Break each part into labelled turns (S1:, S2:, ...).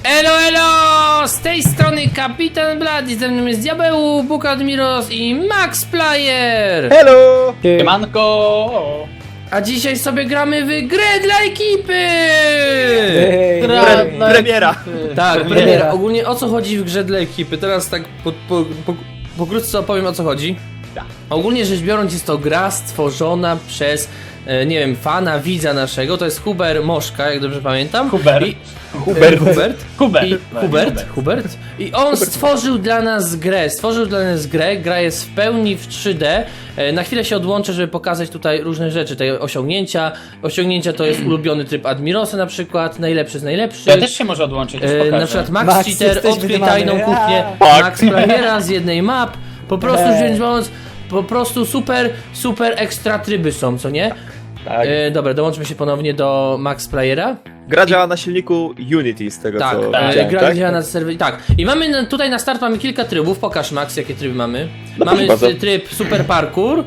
S1: Elo! Z tej strony Kapitan Blady, ze mną jest Diabeł, Bóg Admiros i Max Player!
S2: Hello!
S3: Siemanko!
S1: A dzisiaj sobie gramy w grę dla ekipy!
S2: Premiera!
S1: Tak, premiera. Ogólnie o co chodzi w grze dla ekipy? Teraz tak pokrótce opowiem o co chodzi. Ogólnie rzecz biorąc jest to gra stworzona przez, nie wiem, fana, widza naszego. To jest Hubert Moszka, jak dobrze pamiętam.
S3: Hubert.
S1: Hubert. I on stworzył dla nas grę. Gra jest w pełni w 3D. Na chwilę się odłączę, żeby pokazać tutaj różne rzeczy, te osiągnięcia. Osiągnięcia to jest ulubiony tryb Admirosa na przykład, najlepszy z najlepszych.
S3: Ja też się może odłączyć, już pokażę.
S1: Na przykład Max Cheater, odkryj tajną kuchnię, Max Playera z jednej map. Po prostu wziąć biorąc, po prostu super ekstra tryby są, co nie?
S2: Tak.
S1: Dobra, dołączmy się ponownie do Max Playera.
S2: Gra działa na silniku Unity z tego
S1: Tak,
S2: co
S3: tak.
S2: widziałem,
S1: gra
S2: tak?
S1: działa na serwerze. Tak. I mamy tutaj na start mamy kilka trybów. Pokaż Max, jakie tryby mamy.
S2: No
S1: Mamy
S2: proszę bardzo.
S1: tryb Super Parkour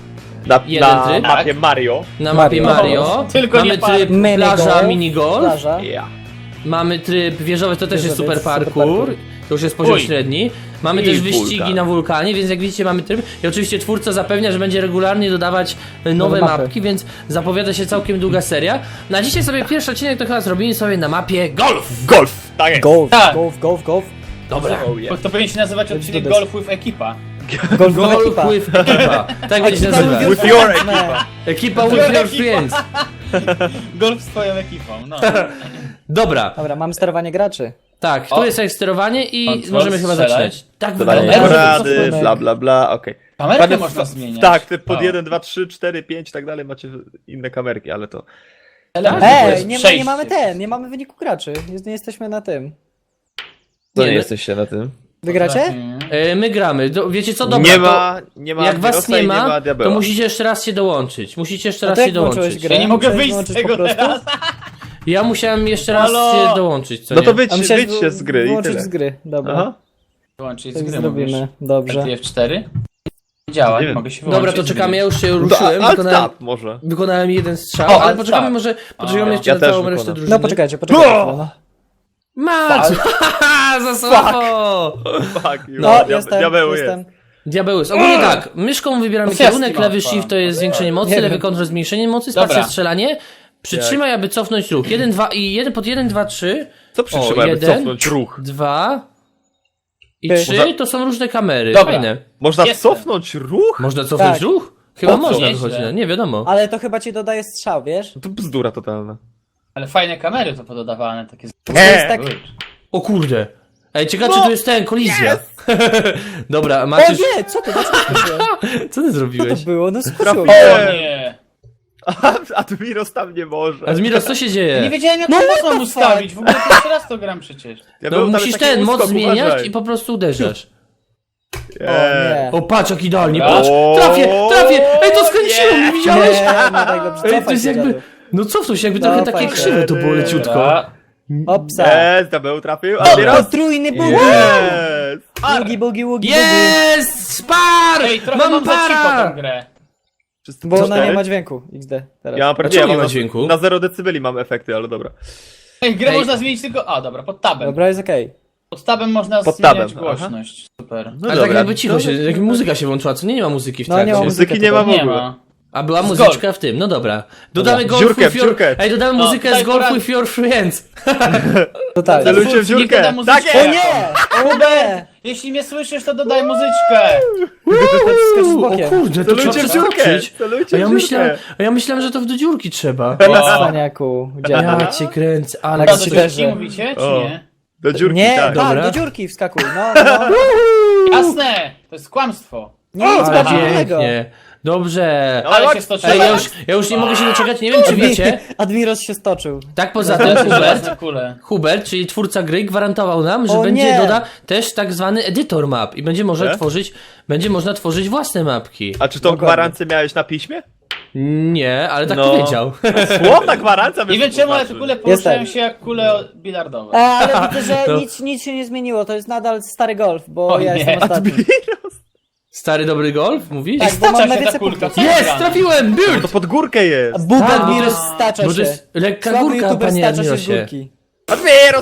S2: Na
S1: tryb.
S2: mapie Mario.
S1: na mapie Mario.
S3: Tylko
S1: Mamy
S3: nie
S1: tryb
S4: Minigolf.
S1: plaża, minigolf.
S4: Plaża.
S2: Yeah.
S1: Mamy tryb wieżowy, to też jest
S4: Wieżowiec,
S1: super
S4: super
S1: parkour.
S4: parkour.
S1: To już jest poziom
S3: Uj.
S1: średni. Mamy
S2: I
S1: też wyścigi
S2: wulkan.
S1: na wulkanie, więc jak widzicie mamy tryb. I oczywiście twórca zapewnia, że będzie regularnie dodawać nowe
S4: Nowe mapy.
S1: mapki, więc zapowiada się całkiem długa seria. Na dzisiaj sobie pierwszy odcinek to chyba zrobimy sobie na mapie golf.
S2: Golf! Tak jest!
S4: Golf,
S3: Tak.
S4: golf.
S1: Dobra.
S2: Oh, yeah.
S3: To powinien się nazywać odcinek
S4: dodać.
S3: Golf with Ekipa.
S4: Golf
S1: Golf
S4: ekipa.
S1: with ekipa. Tak będzie się
S4: Ekipa
S1: nazywa.
S2: With your equipa.
S1: Ekipa with your friends.
S3: Golf z twoją ekipą, no.
S1: Dobra,
S4: Dobra, mamy sterowanie graczy.
S1: tak, tu
S3: O.
S1: jest jak sterowanie i
S3: Control,
S1: możemy chyba
S3: strzelaj.
S1: zaczynać. Tak
S2: Dodawanie
S1: wygląda.
S2: porady, bla bla bla, okej.
S3: Kamerkę
S2: Panie-
S3: można zmieniać.
S2: Tak, ty pod
S3: O.
S2: 1, 2, 3, 4, 5 i tak dalej macie inne kamerki, ale to...
S3: Element, to
S4: Ej,
S3: jest
S4: nie
S3: przejście.
S4: mamy nie mamy wyniku graczy. Nie jesteśmy na tym.
S2: To
S1: Nie,
S2: nie
S1: no-
S2: jesteście na tym.
S4: Wygracie?
S1: My gramy. Wiecie co, dobra,
S2: Nie ma
S1: jak was
S2: Admirosa
S1: nie
S2: i
S1: ma, to
S2: Diabeła.
S1: musicie jeszcze raz się dołączyć. Musicie jeszcze
S4: A
S1: raz
S4: to
S1: się
S4: jak włączyłeś
S1: dołączyć.
S4: grę?
S3: Ja nie mogę
S4: Musiałeś
S3: wyjść z
S4: wyłączyć
S3: tego
S4: po prostu?
S3: teraz.
S1: Ja musiałem jeszcze raz
S3: Halo?
S1: się dołączyć, co
S2: No
S1: nie?
S2: to
S4: A
S2: wyjdź się z gry i
S4: Wyłączyć
S2: tyle.
S4: z gry, dobra.
S2: Aha.
S3: Wyłączyć z
S4: Tak
S3: gry
S4: zrobimy,
S3: mówisz.
S4: dobrze.
S3: F4? Działa,
S2: Nie
S3: nie
S2: wiem.
S3: mogę się wyłączyć.
S1: Dobra, to
S3: z
S1: czekamy,
S3: gry.
S1: ja już się
S2: No to
S1: ruszyłem,
S2: alt
S1: wykonałem,
S2: tab może.
S1: wykonałem jeden strzał,
S3: O,
S1: ale
S3: alt
S1: poczekamy
S3: tab.
S1: może, poczekamy
S3: A,
S1: jeszcze
S2: ja
S1: na
S2: też
S1: całą
S2: wykonam.
S1: resztę drużyny.
S4: No poczekajcie. No.
S1: Max! Za słabo!
S2: Fuck you.
S4: No, jestem.
S2: Diabeł jest.
S1: Diabeł jest. Ogólnie tak, myszką wybieramy
S3: Gwiazdki
S1: kierunek, lewy
S3: mapa.
S1: shift to jest zwiększenie mocy,
S4: Nie
S1: lewy
S4: wiem.
S1: kontrol zmniejszenie mocy, spacja
S3: Dobra.
S1: strzelanie. Przytrzymaj, aby cofnąć ruch. 1, 2 i 1 pod 1, 2, 3.
S2: Co przytrzymaj, aby
S1: 1,
S2: cofnąć ruch?
S1: 2 i
S4: Ty.
S1: 3 to są różne kamery.
S3: Dobra.
S1: Fajne.
S2: Można
S3: Jestem.
S2: cofnąć ruch?
S1: Można cofnąć
S4: Tak.
S1: ruch? Chyba
S2: Po co?
S1: można
S3: Nieźle.
S1: wychodzić, nie wiadomo.
S4: Ale to chyba ci dodaje strzał, wiesz?
S2: To bzdura totalna.
S3: Ale fajne kamery to pododawane, takie...
S4: To jest tak...
S1: O kurde. Ej, ciekawe czy
S2: No.
S1: tu jest ten, kolizja. Dobra,
S4: O
S1: Maciuś,
S4: nie, co to? Dlaczego skoczyłem?
S1: co ty
S4: Co to
S1: zrobiłeś?
S4: było? No skoczyłem.
S3: O nie!
S2: Admiros tam nie może.
S1: Admiros, co się
S3: Nie
S1: dzieje?
S3: wiedziałem jak
S4: No,
S3: to
S4: what
S3: można
S4: the
S3: ustawić, w ogóle pierwszy raz to gram przecież.
S1: No
S2: Diabeł, tam
S1: musisz
S2: jest taki
S1: ten, moc
S2: uskok,
S1: zmieniać
S2: uważaj.
S1: i po prostu uderzasz.
S2: Nie.
S1: O, patrz jak idealnie,
S3: Dobra.
S1: patrz! Trafię! Ej, to skręciło mnie, widziałeś?
S4: Nie, nie tak dobrze.
S1: Ej, to
S4: Cofaj
S1: jest
S4: się,
S1: jakby...
S4: dziadu.
S1: No cofnął się, jakby
S4: No,
S1: trochę takie
S4: fajnie.
S1: krzywe to było leciutko.
S3: Dobra.
S4: Opsa.
S2: Jest, Diabeł trafił. Admiros!
S4: Potrójny bugi.
S2: Jest!
S4: Bugi.
S1: Jest! Spar!
S3: Ej, trochę
S1: Mam
S3: mam za cicho
S1: para!
S3: tą grę.
S2: Wszyscy
S4: Bo ona
S2: cztery?
S4: nie ma dźwięku. XD. Teraz.
S2: Ja mam
S1: A
S2: pewnie,
S1: czemu
S2: ja
S1: nie
S2: mam
S1: ma
S2: na-
S1: dźwięku?
S2: Na 0 decybeli mam efekty, ale dobra.
S3: Ej, grę
S1: Ej.
S3: można zmienić tylko... A, dobra, pod tabem.
S4: Dobra, jest okej.
S3: Pod tabem można
S2: Pod
S3: zmieniać
S2: tabem,
S3: głośność. Super.
S2: No
S1: Ale
S2: dobra.
S1: tak jakby cicho
S2: To-
S1: się, jak muzyka się włączyła, co nie ma muzyki w
S4: No,
S1: trakcie.
S4: nie ma
S2: Muzyki nie ma w
S3: Nie
S2: ogóle.
S3: ma.
S1: A była
S3: Z
S1: muzyczka w tym, no dobra. Dodamy golf
S2: Dziurkę,
S1: with your...
S2: dziurkę.
S1: Ej, dodamy
S3: No,
S1: muzykę
S3: tutaj
S1: z golf
S3: porad-
S1: with your friends.
S4: Totalnie.
S2: Celujcie w
S3: Nikt
S2: dziurkę.
S3: doda muzyczkę.
S2: Tak
S4: O
S2: jest!
S4: nie! O nie!
S3: Jeśli mnie słyszysz, to dodaj muzyczkę.
S4: Skocz z
S1: O
S4: bokiem.
S1: kurde, to trzeba
S2: Celujcie w dziurkę!
S1: przeskoczyć.
S2: Celujcie
S1: A ja
S2: w dziurkę!
S1: myślałem, że to do dziurki trzeba.
S4: Cwaniaku.
S1: Ja cię kręcę, ale...
S3: A
S4: Tak
S3: do
S4: się
S3: dziurki
S4: leży.
S3: mówicie, czy
S2: O.
S3: nie?
S2: Do dziurki,
S4: Nie,
S2: tak.
S1: Dobra.
S4: tak, do dziurki wskakuj. No.
S3: Jasne! To jest kłamstwo.
S4: Nie, nic
S1: Ale
S4: bardziej innego.
S1: pięknie. Dobrze.
S2: Ale
S3: Ale
S2: chodź-
S3: się stoczyłem.
S1: Ej, ja już nie mogę się doczekać, nie wiem czy wiecie.
S4: Admiros się stoczył.
S1: Tak poza tym Hubert, czyli twórca gry, gwarantował nam, że
S4: O
S1: będzie
S4: nie.
S1: doda też tak zwany editor map i będzie można
S2: Tak?
S1: tworzyć własne mapki.
S2: A czy tą
S4: Dokładnie.
S2: gwarancję miałeś na piśmie?
S1: Nie, ale tak
S2: No.
S1: powiedział.
S2: Słowna gwarancja
S3: Nie wiem czemu, ale te kule poruszają się jak kule bilardowe.
S4: Ale widzę, że
S1: To-
S4: nic się nie zmieniło. To jest nadal stary golf, bo
S3: O
S4: ja
S3: nie.
S4: jestem ostatni.
S1: Stary dobry golf, mówisz?
S4: Tak, bo mam
S3: Stacza się ta
S4: najwięcej
S3: kulka.
S4: punktów.
S1: Jest, trafiłem,
S2: To
S1: build!
S2: pod górkę jest!
S4: Bóg
S1: Tak, bo to
S4: Admiros
S1: jest-
S4: stacza
S1: Bo to
S4: się.
S1: jest lekka
S4: Słaby
S1: górka,
S4: youtuber
S1: panie
S4: stacza się z
S1: Admirosie.
S4: górki.
S2: Admiros to...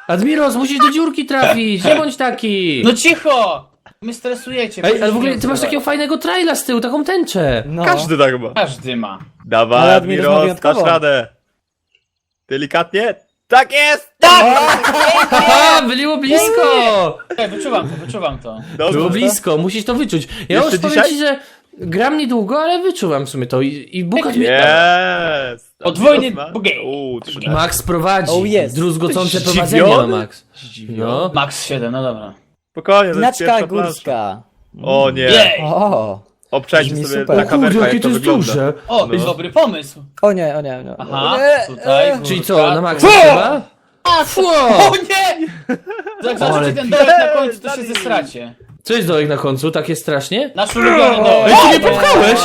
S1: Admiros, musisz do dziurki trafić, nie bądź taki!
S3: No cicho! My stresujecie.
S1: Ej, ale w
S3: powinniśmy
S1: ogóle ty masz
S3: rozmawiać.
S1: takiego fajnego traila z tyłu, taką tęczę.
S4: No.
S2: Każdy tak ma.
S3: Każdy ma.
S2: Dawaj,
S4: Ale Admiros ma
S2: Admiros,
S4: wyjątkowo.
S2: dasz radę. Delikatnie. Tak jest!
S1: Haha, było blisko!
S3: Ej, wyczuwam to.
S2: Dobrze.
S1: Było blisko, musisz to wyczuć. Ja
S2: Jeszcze
S1: już powiem
S2: dzisiaj?
S1: ci, że gram niedługo, ale wyczuwam w sumie to i Bukat mnie...
S2: Jest!
S3: Podwójny
S2: Admiros ma-
S3: bugiej.
S2: 13.
S1: Max prowadzi.
S4: Oh, yes.
S1: Druzgocące
S2: Zdziwiony?
S1: prowadzenie ma Max.
S2: Zdziwiony.
S1: No.
S3: Max 7, no dobra.
S2: Spokojnie, to jest
S4: Znaczka
S2: pierwsza plansza.
S4: górska.
S2: O nie.
S3: Jej!
S4: O!
S2: Obczajcie
S4: Brzmi
S2: sobie
S4: super.
S2: na
S4: O
S2: kamerkę, jak to wygląda.
S1: duże.
S3: O,
S2: No.
S3: dobry pomysł.
S4: O nie, o nie, o nie.
S3: Aha,
S4: Nie,
S3: tutaj.
S1: Czyli
S3: górka,
S1: co, na Maxa
S3: tu.
S1: chyba?
S3: O nie! Jak
S1: Ale
S3: zobaczycie ten dołek na końcu, to się zesracie.
S1: Co jest dołek na końcu? Takie strasznie?
S3: Nasz ulubiony dołek.
S1: Ej, ty mnie popchałeś!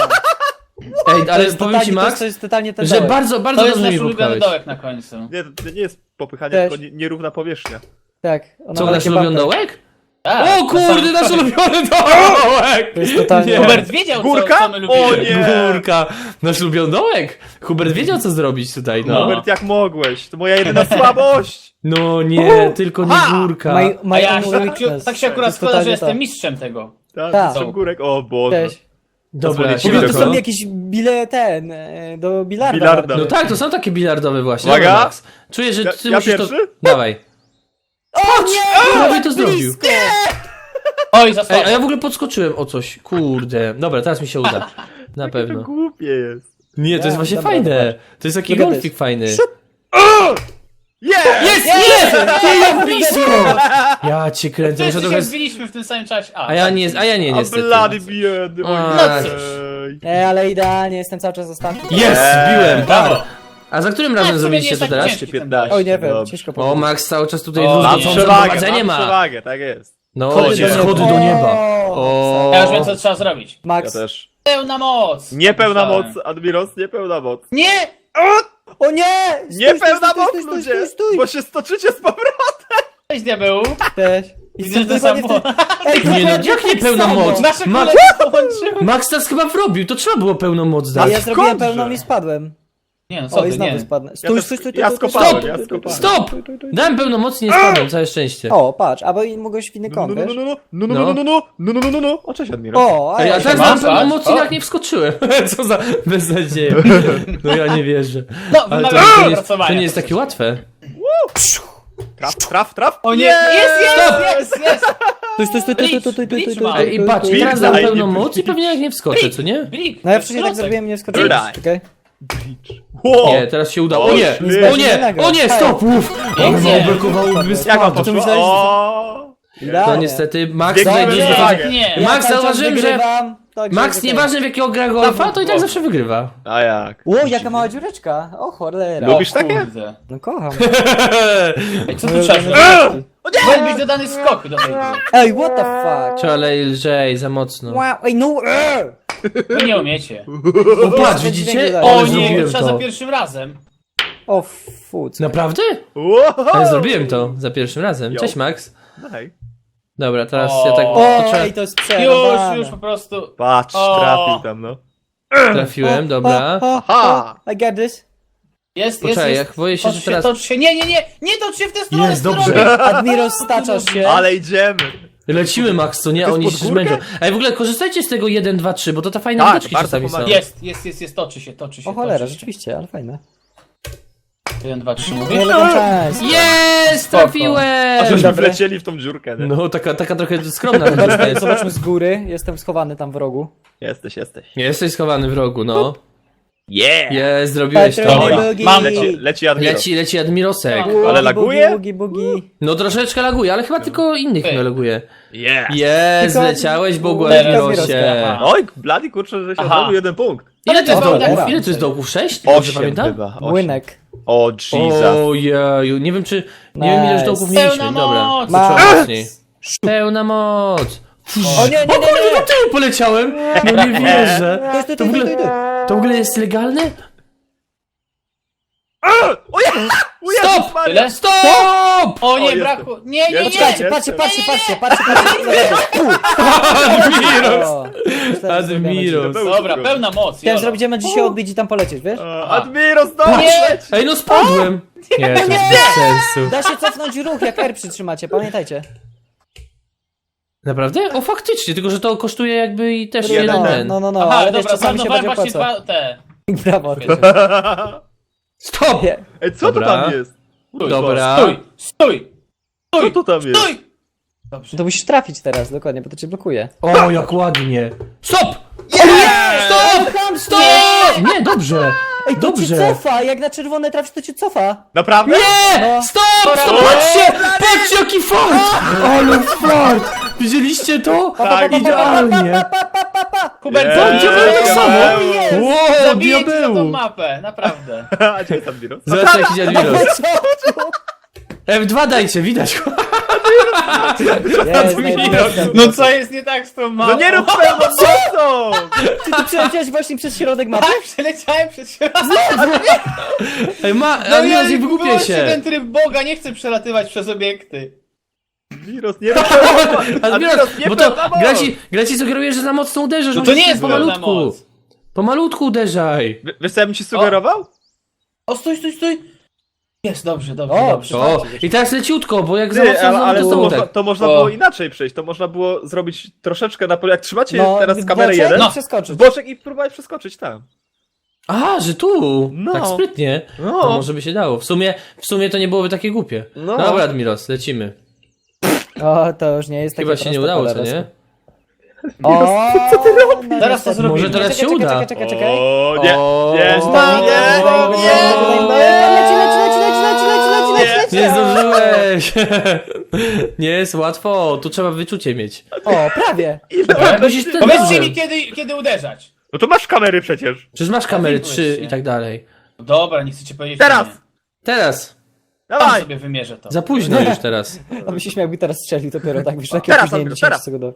S1: Ej,
S4: To
S1: ale
S4: jest
S1: powiem ci
S4: totalnie-
S1: Max,
S4: to jest totalnie ten
S1: że
S4: dołek.
S1: bardzo
S3: To jest
S1: dobrze
S3: nasz
S1: mi
S3: ulubiony
S1: popchałeś.
S3: dołek na końcu.
S2: Nie, to nie jest popychanie,
S4: Też.
S2: tylko nierówna powierzchnia.
S4: Tak. ona
S1: Co,
S4: ma
S1: nasz
S4: takie
S1: ulubiony
S4: bapy.
S1: dołek?
S3: Tak,
S1: O kurde, nasz ulubiony dołek!
S4: To jest totalnie...
S1: Nie.
S3: Hubert wiedział,
S2: Górka?
S3: co my lubimy.
S2: O nie!
S1: Górka, nasz ulubiony dołek! Hubert wiedział co zrobić tutaj, no.
S2: Hubert, jak mogłeś? To moja jedyna słabość!
S1: No nie, tylko nie górka.
S4: My,
S3: A
S4: my
S3: ja
S4: only
S3: tak,
S4: weakness.
S3: tak się
S4: To
S3: akurat
S4: jest
S3: składa, że
S4: totalnie
S3: jestem
S4: to.
S3: mistrzem tego.
S2: Tak,
S4: Tak.
S2: jestem górek, o Boże.
S4: Cześć.
S1: Dobra,
S2: Pozwolicie
S4: Mówię,
S2: mi
S4: to
S2: tylko?
S4: są jakieś do bilarda.
S2: Bilarda.
S1: No tak, to są takie bilardowe właśnie.
S2: Uwaga.
S1: Dobra, Max. Czuję, że
S2: Ja-
S1: ty
S2: ja
S1: musisz
S2: pierwszy?
S1: to... Dawaj.
S4: O nie!
S1: Prawie to zrobił.
S3: Oj, za słabo.
S1: Ej, a ja w ogóle podskoczyłem o coś. Kurde. Dobra, teraz mi się uda. Na
S2: To
S1: pewno.
S2: głupie jest.
S1: Nie, to jest właśnie
S4: dobra,
S1: fajne.
S4: zobacz.
S1: To jest taki
S4: Look at
S1: golfik
S4: this.
S1: fajny.
S2: Jest!
S1: Jest! Jest! Ty jak blisko! Ja cię kręcę. Muszę
S3: Wszyscy się
S1: trochę...
S3: zbiliśmy w tym samym czasie.
S1: A ja nie,
S2: A
S1: niestety.
S2: blady biedy,
S1: A,
S2: oj,
S3: no cóż.
S2: ej.
S4: Nie, ale idealnie, jestem cały czas ostatni.
S1: Jest! Zbiłem,
S3: Brawo.
S1: par. A za którym
S3: Tak,
S1: razem
S3: w sumie
S1: zrobiliście
S3: nie jest
S1: to
S3: tak
S1: teraz?
S3: ciężki ten
S2: 15.
S3: dołek.
S4: Oj, nie wiem,
S2: Dobrze.
S4: ciężko
S1: O,
S4: powiedzieć.
S1: Max cały czas tutaj
S3: O,
S2: Mam
S1: druzgocące
S2: przewagę,
S1: prowadzenie
S2: mam
S1: ma.
S2: przewagę, tak jest.
S1: No,
S3: Schody do
S1: schody
S4: nieba.
S1: do nieba.
S4: O,
S1: O.
S3: Ja już wiem, co trzeba zrobić.
S2: Ja
S4: Max.
S2: też.
S3: Pełna moc.
S2: Niepełna moc,
S3: Myślałem.
S2: Admiros, niepełna moc.
S3: Nie!
S4: O nie!
S2: Niepełna moc,
S4: stój,
S2: ludzie!
S4: stój.
S2: Bo się stoczycie z powrotem!
S3: Cześć, diabeł.
S4: Cześć.
S3: Widzę, że to
S4: dokładnie w
S3: samo.
S4: tym- Ej,
S1: Nie no,
S4: dokładnie
S1: jak
S4: tak
S1: nie pełna
S4: samo.
S1: moc?
S3: Nasze
S1: Max,
S3: kule połączyły.
S1: Max nas chyba wrobił, to trzeba było pełną moc
S4: A
S1: dać.
S4: ja zrobiłem
S2: skądże?
S4: pełną i spadłem.
S3: Nie no,
S4: O,
S3: co
S4: i
S3: ty,
S4: znowu
S3: nie.
S4: spadnę.
S2: Ja
S4: Stój,
S2: też-
S4: stój, stój,
S2: ja
S4: stój, stój,
S2: skopałem,
S4: stój,
S2: ja
S4: stój, stój,
S2: skopałem.
S4: stój,
S1: Stop!
S4: stój, stój, stój.
S1: Dałem pełną moc i nie spadłem, całe szczęście.
S4: O, patrz, albo mogłeś w inny
S2: No,
S4: kąt,
S2: no, no,
S4: wiesz?
S2: no, no, no, no, no, no, no, no, no, no, no. O, cześć Admiros.
S4: O,
S1: Ej, a
S4: ja
S1: teraz
S3: ma?
S1: dałem pełną
S3: Patrz,
S1: moc i
S3: o.
S1: jak nie wskoczyłem. Co za beznadzieja. No ja nie wierzę.
S3: No,
S1: Ale to,
S3: wymagam
S1: to, nie, jest,
S3: opracowania.
S1: to nie jest takie łatwe.
S2: Traf.
S3: O nie,
S1: Nie!
S3: jest,
S1: Stop!
S3: jest!
S4: Stój, stój, stój,
S3: Blicz,
S4: stój, stój,
S3: blicz
S4: stój,
S3: ma.
S4: stój,
S1: Ej, i
S4: stój,
S1: patrz,
S4: stój.
S1: teraz dam
S2: Daj,
S1: pełną
S2: nie
S1: moc i pewnie jak nie wskoczę, co nie?
S3: Blik,
S4: No ja
S3: to jest
S4: wcześniej tak
S3: klocek.
S4: zrobiłem i nie wskoczyłem.
S2: Daj.
S4: Czekaj.
S2: Wow.
S1: Nie, teraz się udało. O
S2: O,
S1: nie!
S2: śmiesznie.
S1: O nie! O nie! Stop! Uff!
S3: Pięknie.
S1: Brakowało by
S2: Jak wam
S1: spadł.
S2: poszło?
S4: myślałeś, że-
S2: O.
S1: No
S4: Idealnie.
S1: niestety, Max
S2: Zwiększymy
S1: znajdzie
S2: przewagę.
S3: Nie.
S4: Ja
S1: Max,
S4: cały czas
S1: zauważyłem, że
S4: wygrywam, także
S1: Max,
S4: okej.
S1: nieważne w jakiego gra golfa, to i tak zawsze wygrywa.
S2: A jak?
S4: Ło, jaka mała dziureczka. O, cholera.
S2: Lubisz
S3: O
S2: takie?
S3: kurde.
S4: No kocham.
S3: Ej, co
S4: Moje
S3: tu trzeba
S4: ulubione
S3: zrobić?
S4: dziureczki.
S3: Powinien być dodany skok do tej gry.
S4: Ej, what the fuck?
S1: Trzeba lżej, za mocno.
S4: Wow, ej, no.
S3: Wy nie umiecie.
S1: O, patrz,
S4: Ten
S1: widzicie?
S4: dźwięk
S1: O,
S3: O
S4: Ale
S3: nie, to
S1: zrobiłem
S3: trzeba za
S1: to.
S3: pierwszym razem.
S4: O, fuck.
S1: Naprawdę?
S2: Wow.
S1: Ale zrobiłem to za pierwszym razem.
S2: Jo.
S1: Cześć, Max.
S2: Daj.
S1: Dobra, teraz
S3: O.
S1: ja tak
S4: O,
S1: trzeba...
S4: ej, to jest przerwane.
S3: Już po prostu.
S2: Patrz,
S3: O.
S2: trafił tam, no.
S1: trafiłem, dobra.
S2: Aha.
S4: I got this.
S3: Jest,
S1: Poczekaj, jak boję się,
S3: Tocz
S1: że teraz...
S3: Tocz się, nie tocz się w tę stronę.
S1: Jest,
S3: stronę.
S1: dobrze.
S4: Admiro, staczasz się.
S2: Ale idziemy.
S1: Lecimy, Max, co nie?
S2: To jest
S1: Oni
S2: pod
S1: się
S2: górkę?
S1: zmęczą. Ej, w ogóle korzystajcie z tego 1, 2, 3, bo to ta fajna
S2: Tak,
S1: widoczki
S2: bardzo
S1: czasami są.
S2: pomaga.
S3: Jest, toczy się.
S4: O cholera,
S3: toczy się.
S4: rzeczywiście, ale fajne.
S3: 1, 2, 3
S4: Nie
S3: mówisz?
S4: elegancko.
S1: Jest!
S3: Spoko.
S1: Trafiłem!
S2: Żeśmy
S4: Dobry.
S2: wlecieli w tą dziurkę, nie?
S1: No, taka trochę skromna ta dziurka jest.
S4: Zobaczmy z góry, jestem schowany tam w rogu.
S2: Jesteś.
S1: Jesteś schowany w rogu, no.
S2: Yeah!
S1: Jest, zrobiłeś to.
S3: Dobra. Mam
S2: Leci Admiros.
S1: Leci Admirosek.
S3: No.
S2: Ale laguje?
S4: Bugi, bugi.
S1: No troszeczkę laguje, ale chyba tylko innych
S3: Ej.
S1: nie laguje.
S2: Yeah!
S1: Jest,
S4: Tylko-
S1: leciałeś Bogu
S4: Teraz
S1: Admirosie.
S3: Aha.
S2: Oj, blady kurczę, że się
S3: Aha.
S2: odrobił 1 punkt.
S1: Ile to jest
S3: O,
S1: dołków?
S3: dobra.
S1: Ile to jest dołków? 6? Dobrze
S2: 8
S1: pamiętam?
S2: chyba. 8.
S4: Młynek.
S2: O, Jesus.
S1: Ojeju, nie wiem czy... Nie wiem ile już
S4: Nice.
S1: dołków
S3: Pełna
S1: mieliśmy, dobra.
S3: moc.
S1: To trzeba
S4: Max.
S1: mocniej. Pełna moc.
S4: O nie, nie,
S1: O kurde,
S4: nie,
S1: do tyłu poleciałem! No nie wierzę.
S4: nie.
S1: To w ogóle jest legalne?
S2: O Jezus
S1: Stop!
S2: Maria!
S3: Tyle?
S1: Stop!
S3: O nie,
S2: jestem.
S3: brakło. Nie, nie,
S2: Jestem.
S3: nie!
S4: Patrzcie.
S1: Admiros!
S4: O,
S1: Admiros.
S3: Dobra, pełna moc.
S4: Chciałem
S3: jolo.
S4: zrobić diament dzisiaj odbić i tam polecieć, wiesz?
S2: Admiros, no!
S3: Nie!
S1: Ej, no spadłem! Nie, to jest bez sensu.
S4: Da się cofnąć ruch, jak R przytrzymacie, pamiętajcie.
S1: Naprawdę? O, faktycznie, tylko że to kosztuje jakby i też
S2: Jeden
S1: jeden
S2: ten.
S1: ten.
S4: No,
S3: Aha,
S4: ale
S3: dobra,
S4: czasami się
S3: zmarnowałem
S4: będzie
S3: właśnie
S4: opłaca.
S3: te.
S4: Brawo.
S1: Stop!
S4: Nie.
S2: Ej, co
S1: Dobra.
S2: to tam jest?
S3: Stój,
S1: Dobra.
S3: Stój!
S2: Co to tam jest?
S3: Stój! Dobrze.
S4: To musisz trafić teraz, dokładnie, bo to cię blokuje.
S1: O, jak ładnie. Stop!
S4: Stop!
S1: Stop! Nie, dobrze.
S4: Ej, to cię
S1: Dobrze.
S4: cofa, jak na czerwone trafisz, to cię cofa.
S2: Naprawdę?
S1: Nie!
S4: No.
S1: Stop! Stop! Patrzcie! Patrzcie, jaki fart! Ale fart! Widzieliście to?
S2: Tak,
S1: Idealnie.
S3: Hubert,
S2: Nie.
S3: co?
S1: Diabeł tak samo!
S2: Jest.
S1: Wow,
S3: Zabiję cię za tą
S1: diabeł!
S3: mapę, naprawdę.
S2: A gdzie jest Admiros?
S1: Zobacz jaki Admiros.
S4: Co?
S1: F2 dajcie, widać go.
S4: Jest, najlepsza.
S3: No co jest nie tak z tą mapą?
S2: No nie rób pełną mocą!
S4: Ty przeleciałeś właśnie przez środek mapy?
S3: Tak, przeleciałem przez środek.
S1: Ej, Admiros, nie wygłupię
S3: wyłączcie
S1: się.
S3: ten tryb Boga, nie chcę przelatywać przez obiekty.
S2: Admiros, nie rób pełną moc!
S1: Admiros,
S2: nie
S1: bo to
S2: pełna moc!
S1: gra ci sugeruje, że za mocno uderzysz.
S3: No to
S1: musisz
S3: nie jest pełna
S1: pomalutku.
S3: moc.
S1: Pomalutku uderzaj.
S2: Wiesz co ja bym ci sugerował?
S3: O, stój! Jest, dobrze.
S1: O, i teraz leciutko, bo jak za
S2: Ty,
S1: mocno
S2: ale
S1: to
S2: to,
S1: znowu
S2: można,
S1: tak.
S2: to można
S3: O.
S2: było inaczej przejść. To można było zrobić troszeczkę na pole. Jak trzymacie teraz kamerę
S4: boczek
S2: jeden,
S4: i
S3: No.
S4: przeskoczyć.
S2: w boczek i próbować przeskoczyć tam.
S1: A, że tu!
S2: No.
S1: Tak sprytnie.
S2: No.
S1: To może by się dało. W sumie to nie byłoby takie głupie.
S2: No.
S1: Dobra, Admiros, lecimy.
S4: O, to już nie jest takie
S1: Chyba się nie
S4: proste,
S1: udało, co
S4: cholera.
S1: nie?
S4: O, co ty robisz? No,
S3: Zaraz to
S4: niestety.
S3: zrobimy.
S1: Może teraz się uda.
S4: Czekaj.
S2: O, nie,
S1: O,
S2: nie,
S1: o,
S4: Leci.
S1: Nie zdążyłeś! Nie jest łatwo, tu trzeba wyczucie mieć.
S4: O, prawie.
S1: Musisz ten
S3: Powiedzcie
S1: dobrze.
S3: mi, kiedy uderzać.
S2: No to masz kamery przecież.
S1: Przecież masz kamery
S3: Zawidłeś
S1: 3
S3: się.
S1: i tak dalej.
S3: No dobra, nie chcecie powiedzieć.
S2: Teraz.
S3: Nie.
S1: Teraz.
S3: Tam
S2: Dawaj!
S3: sobie wymierzę to.
S1: Za późno już teraz.
S4: A by się śmiał, jakby teraz strzelił dopiero tak, wiesz, takie
S2: Teraz,
S4: opóźnienie
S2: Andrzej,
S4: 10
S2: teraz.
S4: sekund.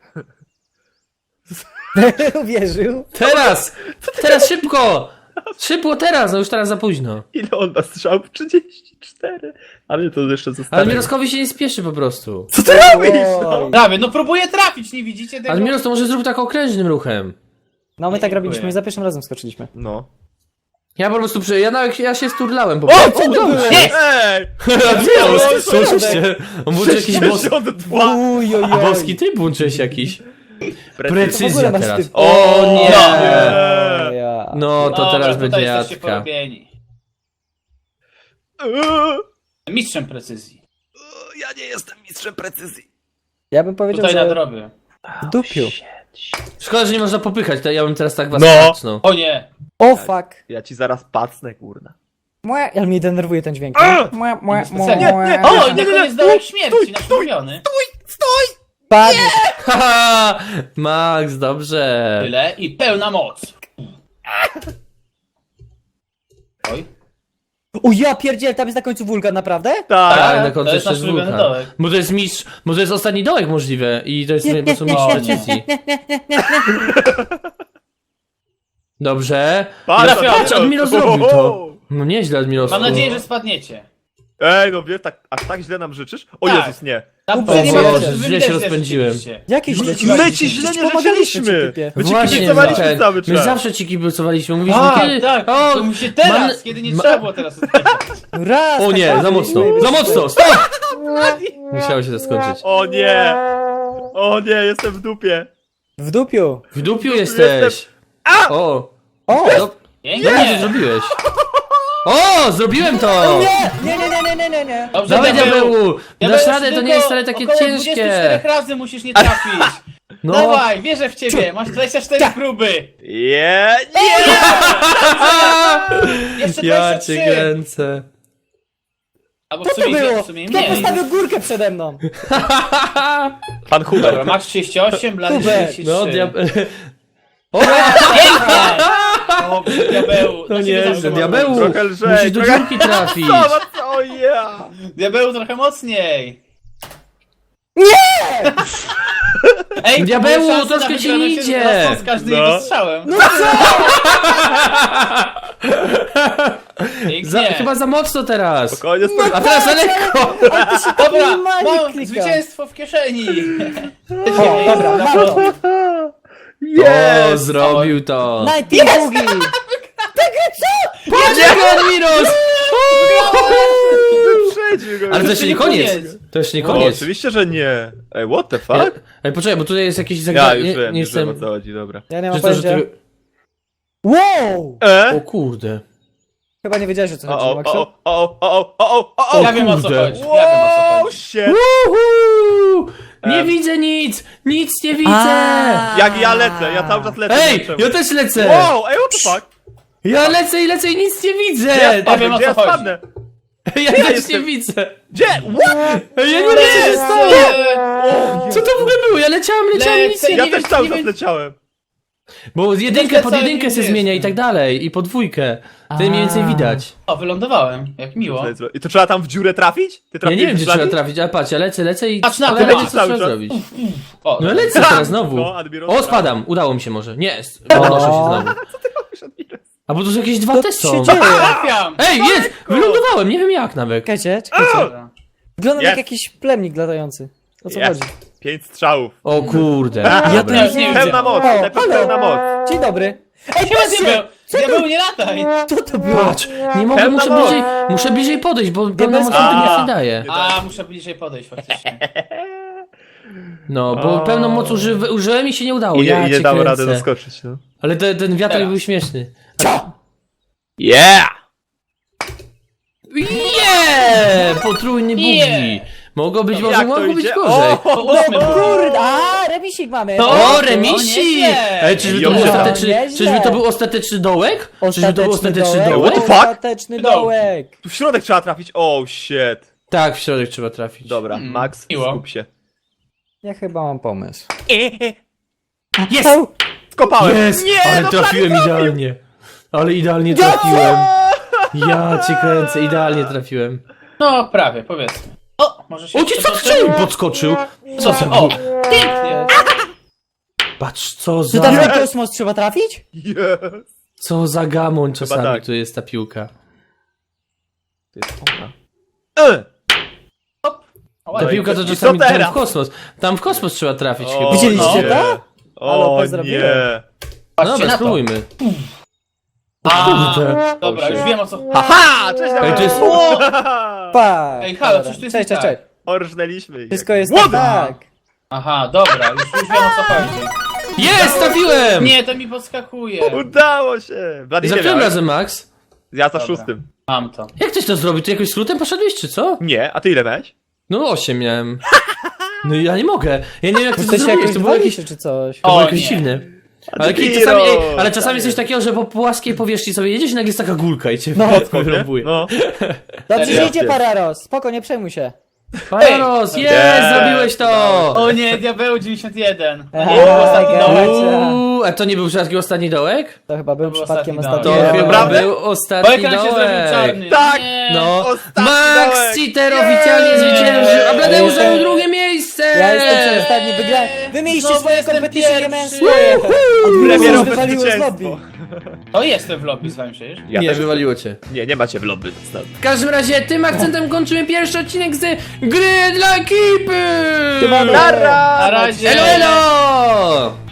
S4: Uwierzył.
S1: Teraz! Teraz szybko! Szybko teraz, no już teraz za późno.
S2: Ile on ma strzał? 34. Ale to jeszcze
S1: Ale
S2: zostanie.
S1: Admiroskowi się nie spieszy po prostu.
S2: Co ty robisz?
S4: Oj.
S3: Prawie, no próbuję trafić, nie widzicie tego?
S1: Admiros to może zrób tak okrężnym ruchem.
S4: No my tak
S3: Dziękuję.
S4: robiliśmy i za pierwszym razem skoczyliśmy.
S2: No.
S1: Ja po prostu ja się sturlałem po prostu.
S2: co
S1: udało się.
S3: Jest!
S2: Ej!
S1: Admiros, słyszycie? On włączył jakiś
S2: 62.
S1: boski tryb włączyłeś jakiś. Precyzja
S4: W ogóle masz
S1: teraz.
S4: typ.
S1: O nie!
S2: Nie.
S4: Ja.
S1: No to
S3: Dobra,
S1: teraz
S3: tutaj
S1: będzie
S3: jesteście
S1: jadka.
S3: porobieni. Mistrzem precyzji.
S2: Ja nie jestem mistrzem precyzji.
S4: Ja bym powiedział,
S3: Tutaj
S4: że
S3: nadrobię.
S4: w dupiu.
S1: Szkoda, że nie można popychać, to ja bym teraz tak was
S2: No.
S1: patrznął.
S3: O nie!
S4: O fuck.
S2: Ja ci zaraz pacnę, kurna.
S4: Mue, ale mnie denerwuje ten dźwięk. Mue, mue,
S3: Specjalnie.
S4: mue.
S3: O, i na koniec dołek śmierci, nasz ulubiony.
S4: Padł.
S1: Haha! Max, dobrze.
S3: Tyle i pełna moc. Oj.
S4: O ja pierdziel, tam jest na końcu wulkan, naprawdę?
S2: Tak.
S1: Tak, na
S3: to
S1: końcu
S3: jest
S1: jeszcze
S3: nasz
S1: jest
S3: ulubiony
S1: wulkan.
S3: dołek.
S1: Bo to jest mistrz, bo to jest ostatni dołek możliwe i to jest po prostu mistrz precyzji. Dobrze.
S2: Patrz,
S1: Patrz, Admiro zrobił to. No nieźle, Admiro.
S3: Mam nadzieję, że spadniecie.
S2: Ej, no wiesz, aż tak źle nam życzysz? O
S3: Tak.
S2: Jezus, nie.
S3: Na
S4: O
S3: pewno
S4: Boże,
S3: wy
S1: źle
S3: widać,
S1: się
S3: że
S1: rozpędziłem.
S3: rzeczywiście.
S4: Jakie źle ci
S2: My ci źle nie życzyliśmy. My ci
S1: Właśnie,
S2: kibicowaliśmy
S1: Michael,
S2: cały
S1: my
S2: czas.
S1: zawsze ci kibicowaliśmy. Mówiliśmy,
S3: Tak,
S1: kiedy...
S3: tak,
S1: O,
S3: to musi teraz,
S1: mam-
S3: kiedy nie
S1: ma-
S3: trzeba było teraz odpowiedzieć.
S4: Raz,
S1: O
S4: tak
S1: nie,
S4: raz,
S1: za mocno,
S4: i-
S1: za mocno, stop! Musiało się to skończyć.
S2: O nie! O nie, jestem w dupie.
S4: W dupiu.
S1: W dupiu jesteś. O,
S4: O!
S1: dobrze, że
S3: Pięknie.
S1: zrobiłeś. O, zrobiłem to!
S4: Nie.
S3: Dobrze,
S1: Dawaj,
S3: diabeł.
S1: diabeł! Dasz radę, to
S3: tylko
S1: nie jest wcale takie
S3: około
S1: ciężkie.
S3: 24 razy musisz nie trafić.
S1: No,
S3: Dawaj, wierzę w ciebie, masz 24 próby.
S2: Nie!
S3: Jeszcze
S1: ja
S3: 23.
S1: cię kręcę.
S3: Albo w
S4: Co to
S3: sumie,
S4: było?
S3: w sumie
S4: Kto
S3: mniej.
S4: postawił górkę przede mną?
S2: Pan Hubert.
S3: Dobra, masz 38, Blady
S4: Hubert.
S3: 33.
S1: No, O,
S3: Pięknie! O, diabeł.
S1: to
S3: na ciebie
S1: nie,
S3: zawsze
S1: że
S3: mam
S1: diabeł.
S3: pomysł.
S2: Trochę lżej,
S1: Musisz do
S2: trochę-
S1: dziurki trafić.
S2: O ja!
S3: Diabeł trochę mocniej. Ej,
S1: Diabełu,
S3: moje szanse
S1: troszkę
S3: na
S1: ci
S3: wygraną się
S1: idzie.
S3: rosną z każdym
S2: No.
S3: jego strzałem.
S4: No co?
S3: Pięknie.
S1: Chyba za mocno teraz.
S2: Spokojnie, spokojnie.
S1: A teraz za lekko.
S4: Ale ty się
S3: Dobra,
S4: normalnie
S3: mam
S4: klika.
S3: zwycięstwo w kieszeni.
S4: O, dobra, mam to.
S1: O, zrobił to.
S4: Nighting Boogie.
S1: Patrz, Admiros!
S2: Wyprzedził go.
S1: Ale to jeszcze nie koniec.
S3: koniec.
S1: To jeszcze nie
S2: O,
S1: koniec.
S2: oczywiście, że nie. Ej, what the fuck?
S1: Ej, poczekaj, bo tutaj jest jakieś
S2: Ja
S1: zagadnienie.
S2: już wiem,
S1: nie
S2: już wiem, o
S1: jestem...
S2: co chodzi, dobra.
S4: Ja nie mam
S1: Że to, że
S4: pojęcia.
S1: tego...
S4: Wow!
S1: O kurde.
S4: Chyba nie wiedziałeś o co chodzi, Maxu.
S1: O
S3: Ja wiem o co
S1: kurde.
S3: chodzi. Ja wiem o co
S2: Wow,
S3: chodzi.
S2: shit.
S1: Uhu! Nie widzę nic! Nic nie widzę!
S4: A.
S2: Jak ja lecę, ja cały czas lecę. nie
S1: Ej,
S2: wiem czemu.
S1: ja też lecę!
S2: Wow, ej, what the fuck?
S1: Ja lecę i nic nie widzę!
S3: Ja wiem, o
S2: Gdzie
S3: co
S2: ja
S3: chodzi.
S2: spadnę?
S1: Ja też
S2: jestem-
S1: nie widzę!
S2: Gdzie? What?
S1: Ja nie wiem, co się stało! Co to w ogóle było? Ja leciałem, nic nie
S2: Ja
S3: nie
S2: też
S3: wiem,
S2: cały
S3: nie
S2: czas
S3: wiem.
S2: leciałem.
S1: Bo jedynkę
S3: lecę,
S1: pod
S3: ale
S1: jedynkę
S3: nie
S1: se
S3: jestem.
S1: zmienia i tak dalej, i po dwójkę. Wtedy mniej więcej widać.
S3: O, wylądowałem. Jak miło.
S2: I to trzeba tam w dziurę trafić? Ty
S1: Ja
S2: trafiłeś
S1: nie wiem,
S2: w
S1: gdzie
S2: szlaki?
S1: trzeba trafić, ale patrz, ja lecę i
S3: Patrz na to,
S1: cholera wie,
S3: lecisz
S1: co
S2: cały
S1: trzeba
S2: czas.
S1: zrobić.
S3: O,
S1: No lecę teraz znowu.
S2: No, Admiros,
S1: O,
S2: tak.
S1: spadam, udało mi się może. Nie, podnoszę się znowu. A bo to są jakieś dwa
S4: Co
S1: te
S4: tu
S1: są.
S4: się dzieje?
S3: trafiam.
S1: Ej, jest! Wylądowałem, nie wiem jak nawet.
S4: Czekajcie.
S3: Dobra.
S4: Wyglądam
S2: Jest.
S4: jak jakiś plemnik latający. O co
S2: Jest.
S4: chodzi?
S2: 5 strzałów.
S1: O kurde.
S4: Ja
S1: Dobra.
S4: to
S3: Ja już nie widzę.
S2: Pełna moc,
S4: O,
S2: najpierw
S4: halo.
S2: pełna moc.
S4: Dzień dobry. Ej,
S3: Siema,
S4: patrzcie!
S3: diabeł. Diabeł, nie lataj.
S4: Co to było?
S1: Patrz, nie mogę,
S2: Pełna moc.
S1: muszę bliżej podejść, bo pełna moc
S4: bez-
S1: mi
S3: A.
S1: nie daje.
S3: A, muszę bliżej podejść faktycznie.
S1: No, bo pełną moc użyłem i się nie udało.
S2: I
S1: Ja
S2: nie
S1: cię
S2: dało
S1: kręcę.
S2: rady doskoczyć, no.
S1: Ale ten wiatrak
S3: Teraz.
S1: był śmieszny.
S2: Yeah!
S1: Potrójny bugi.
S3: Yeah.
S1: Mogło być,
S2: Jak to
S1: mogło być
S2: idzie?
S1: gorzej.
S3: To ósmy był.
S4: Kurde, a remisik mamy.
S1: O,
S3: O,
S1: remisik!
S3: nieźle.
S1: Ej, czyżby to, był
S2: Nieźle.
S1: ostateczny,
S4: Nieźle.
S1: czyżby to był ostateczny dołek? Czyżby to był ostateczny
S2: What
S1: dołek?
S2: the fuck?
S4: Ostateczny dołek.
S2: Tu w środek trzeba trafić. Oh shit.
S1: Tak, w środek trzeba trafić.
S2: Dobra, Max,
S3: miło.
S2: skup się.
S4: Ja chyba mam pomysł.
S1: Jest!
S2: Skopałem!
S1: Jest!
S2: Nie,
S1: Ale
S2: no
S1: trafiłem
S2: prawie trafił.
S1: idealnie. Ale idealnie trafiłem. Ja cię kręcę, idealnie trafiłem.
S3: No, prawie, powiedzmy. O, może się...
S1: O, ci co strzelił? Podskoczył. Co to
S3: O,
S1: było?
S3: pięknie.
S1: Patrz, co
S4: Czy tam
S1: za...
S4: na kosmos trzeba trafić?
S2: Yes.
S1: Co za gamoń czasami
S2: tak.
S1: tu jest ta piłka.
S2: To jest ona.
S3: O,
S1: Ta
S3: ładnie.
S1: piłka to
S2: I
S1: czasami
S2: co
S1: tam
S2: teraz?
S1: w kosmos. Tam w kosmos trzeba trafić chyba.
S2: O,
S4: Widzieliście
S2: nie.
S4: to? Ale
S2: O
S4: pozdrowiłem.
S2: nie.
S1: No
S3: Patrzcie
S1: dobra,
S3: na to.
S1: spróbujmy.
S3: A,
S1: Kurde.
S3: dobra, już wiem o co...
S2: Haha! Cześć,
S1: Ej, to jest...
S4: Pa.
S3: Ej, halo,
S4: Dobra.
S3: coś tu jest
S4: Cześć,
S3: nie
S4: cześć, cześć.
S2: Orżnęliśmy ich.
S4: Wszystko jest
S2: What?
S4: tak.
S3: Aha, dobra, już wiem o co chodzi.
S1: Jest, trafiłem!
S3: Nie, to mi podskakuje.
S2: Udało się! Blady,
S1: Za
S2: nie
S1: którym
S2: miałeś?
S1: razem, Max?
S2: Ja za
S3: Dobra.
S2: 6.
S3: Mam to.
S1: Jak ktoś to zrobił? Ty jakoś skrótem poszedłeś, czy co?
S2: Nie, a ty ile miałeś?
S1: No 8 miałem. No i ja nie mogę. Ja nie wiem jak ty to
S4: Jesteście
S1: zrobiłeś,
S4: jakoś
S1: to było jakieś...
S4: się czy coś.
S1: To było
S3: O,
S1: jakieś
S3: nie.
S1: dziwne. Ale,
S2: Admiro!
S1: czasami, ale czasami jest coś takiego, że po płaskiej powierzchni sobie jedziesz i nagle jest taka gulka i cię wyrąbuje.
S2: No.
S4: Dobrze,
S3: Serio?
S4: że idzie Pararos. Spoko, nie przejmuj się.
S1: Pararos, jest,
S2: Nie.
S1: zrobiłeś to!
S3: O nie, diabeł 91.
S4: Eee,
S3: Nie, to był ostatni
S4: gotcha.
S3: dołek.
S1: A to nie był przypadkiem ostatni dołek?
S4: To chyba był
S3: To był
S4: przypadkiem
S3: ostatni
S4: ostatni
S1: To
S3: dołek.
S4: dołek.
S1: chyba
S2: Naprawdę?
S1: był
S3: Bo
S1: ostatni
S3: ekran się zrobił
S1: dołek.
S3: czarny.
S2: Tak.
S3: Nie.
S1: No,
S2: Ostatni
S1: Max
S2: dołek.
S1: Cheater oficjalnie zwyciężył, a Bladeusz zajął drugie miejsce!
S4: Ja jestem przedostatni, wygrałem. Wy mieliście
S3: Znowu
S4: swoje
S3: jestem
S4: kompetycje, nie miałem
S3: pierwszy.
S4: swoje.
S2: Premierowe
S4: Od wywaliło z lobby.
S2: zwycięstwo.
S3: O, jestem w lobby z wami przecież.
S2: Ja
S1: Nie,
S2: też-
S1: wywaliło cię.
S2: Nie macie w lobby.
S1: W każdym razie tym akcentem kończymy pierwszy odcinek z gry dla ekipy!
S4: Siemano.
S2: Nara!
S3: Na razie.
S1: Elo, elo!